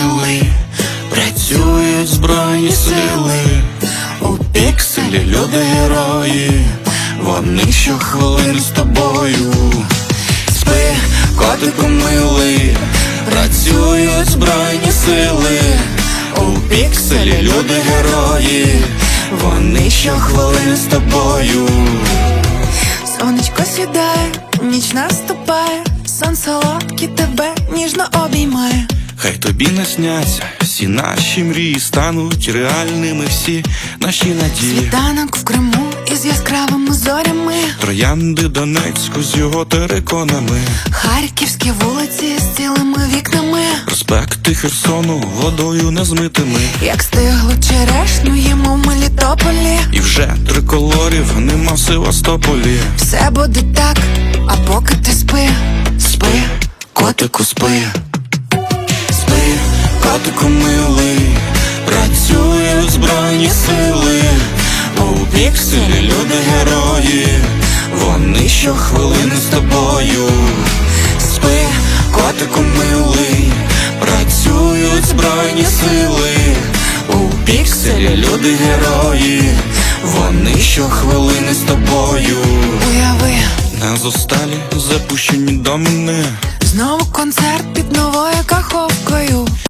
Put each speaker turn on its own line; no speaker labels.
милий, працюють збройні сили. У пікселі люди герої, вони щохвилини з тобою. Спи, котику милий, працюють збройні сили. У пікселі люди герої, вони щохвилини з тобою.
Сонечко сідає, ніч наступає, сон солодкий тебе ніжно обіймає.
Хай тобі не сняться всі наші мрії, стануть реальними всі наші надії.
Світанок в Криму із яскравими зорями,
Троянди Донецьку з його териконами,
харківські вулиці з цілими вікнами,
проспекти Херсону водою незмитими.
як стиглу черешню їмо в Мелітополі.
І вже триколорів нема в Севастополі.
Все буде так, а поки ти спи.
Спи, котику, спи. Спи, котику милий, працюють збройні сили. У пікселі люди герої, вони щохвилини з тобою. Спи, котику милий, працюють збройні сили. У пікселі люди герої, вони щохвилини з тобою.
Уяви,
На зосталі запущені домини,
знову концерт під новою каховкою.